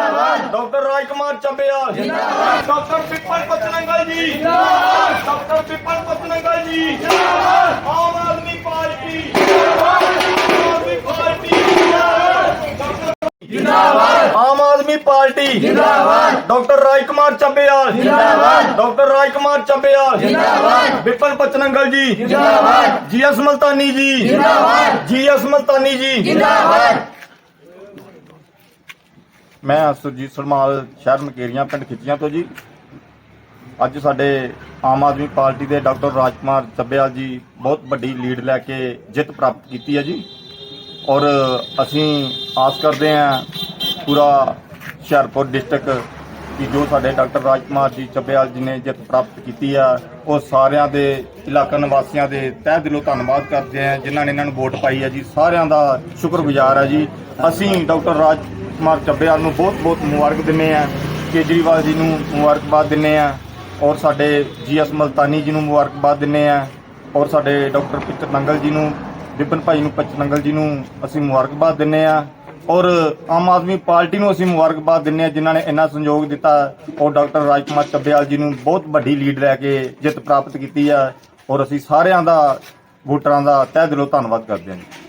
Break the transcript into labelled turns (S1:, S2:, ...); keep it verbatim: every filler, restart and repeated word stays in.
S1: जिंदाबाद डॉक्टर राजकुमार चब्बेयाल जिंदाबाद डॉक्टर विपिन पचनंगल जी जिंदाबाद डॉक्टर विपिन पचनंगल जी जिंदाबाद आम आदमी पार्टी जिंदाबाद आम आदमी पार्टी जिंदाबाद आम आदमी पार्टी जिंदाबाद डॉक्टर राजकुमार चब्बेयाल जिंदाबाद डॉक्टर राजकुमार चब्बेयाल जिंदाबाद विपिन पचनंगल जी जिंदाबाद जी एस मुल्तानी जी जिंदाबाद जी एस मुल्तानी जी जिंदाबाद। मैं सुरजीत सरमाल शहर मकेरियां पिंड खिच्चियां तो जी ਅੱਜ ਸਾਡੇ ਆਮ ਆਦਮੀ ਪਾਰਟੀ ਦੇ ਡਾਕਟਰ ਰਾਜਕੁਮਾਰ ਚੱਬੇਵਾਲ ਜੀ ਬਹੁਤ ਵੱਡੀ ਲੀਡ ਲੈ ਕੇ ਜਿੱਤ ਪ੍ਰਾਪਤ ਕੀਤੀ ਹੈ ਜੀ ਔਰ ਅਸੀਂ ਆਸ ਕਰਦੇ ਹਾਂ ਪੂਰਾ ਹੁਸ਼ਿਆਰਪੁਰ ਡਿਸਟ੍ਰਿਕਟ ਕਿ ਜੋ ਸਾਡੇ ਡਾਕਟਰ ਰਾਜਕੁਮਾਰ ਜੀ ਚੱਬੇਵਾਲ ਜੀ ਨੇ ਜਿੱਤ ਪ੍ਰਾਪਤ ਕੀਤੀ ਆ ਉਹ ਸਾਰਿਆਂ ਦੇ ਇਲਾਕਾ ਨਿਵਾਸੀਆਂ ਦੇ ਤਹਿ ਦਿਲੋਂ ਧੰਨਵਾਦ ਕਰਦੇ ਹਾਂ ਜਿਨ੍ਹਾਂ ਨੇ ਇਹਨਾਂ ਨੂੰ ਵੋਟ ਪਾਈ ਹੈ ਜੀ ਸਾਰਿਆਂ ਦਾ ਸ਼ੁਕਰਗੁਜ਼ਾਰ ਹੈ ਜੀ। ਅਸੀਂ ਡਾਕਟਰ ਰਾਜਕੁਮਾਰ ਚੱਬੇਵਾਲ ਨੂੰ ਬਹੁਤ ਬਹੁਤ ਮੁਬਾਰਕ ਦਿੰਦੇ ਹਾਂ, ਕੇਜਰੀਵਾਲ ਜੀ ਨੂੰ ਮੁਬਾਰਕਬਾਦ ਦਿੰਦੇ ਹਾਂ ਔਰ ਸਾਡੇ ਜੀ ਐਸ ਮੁਲਤਾਨੀ ਜੀ ਨੂੰ ਮੁਬਾਰਕਬਾਦ ਦਿੰਦੇ ਹਾਂ ਔਰ ਸਾਡੇ ਡਾਕਟਰ ਪਚਨੰਗਲ ਜੀ ਨੂੰ ਵਿਪਨ ਭਾਈ ਨੂੰ ਪਚਨੰਗਲ ਜੀ ਨੂੰ ਅਸੀਂ ਮੁਬਾਰਕਬਾਦ ਦਿੰਦੇ ਹਾਂ ਔਰ ਆਮ ਆਦਮੀ ਪਾਰਟੀ ਨੂੰ ਅਸੀਂ ਮੁਬਾਰਕਬਾਦ ਦਿੰਦੇ ਹਾਂ ਜਿਨ੍ਹਾਂ ਨੇ ਇੰਨਾ ਸਹਿਯੋਗ ਦਿੱਤਾ ਔਰ ਡਾਕਟਰ ਰਾਜਕੁਮਾਰ ਚੱਬੇਵਾਲ ਜੀ ਨੂੰ ਬਹੁਤ ਵੱਡੀ ਲੀਡ ਲੈ ਕੇ ਜਿੱਤ ਪ੍ਰਾਪਤ ਕੀਤੀ ਹੈ ਔਰ ਅਸੀਂ ਸਾਰਿਆਂ ਦਾ ਵੋਟਰਾਂ ਦਾ ਤਹਿ ਦਿਲੋਂ ਧੰਨਵਾਦ ਕਰਦੇ ਹਾਂ ਜੀ।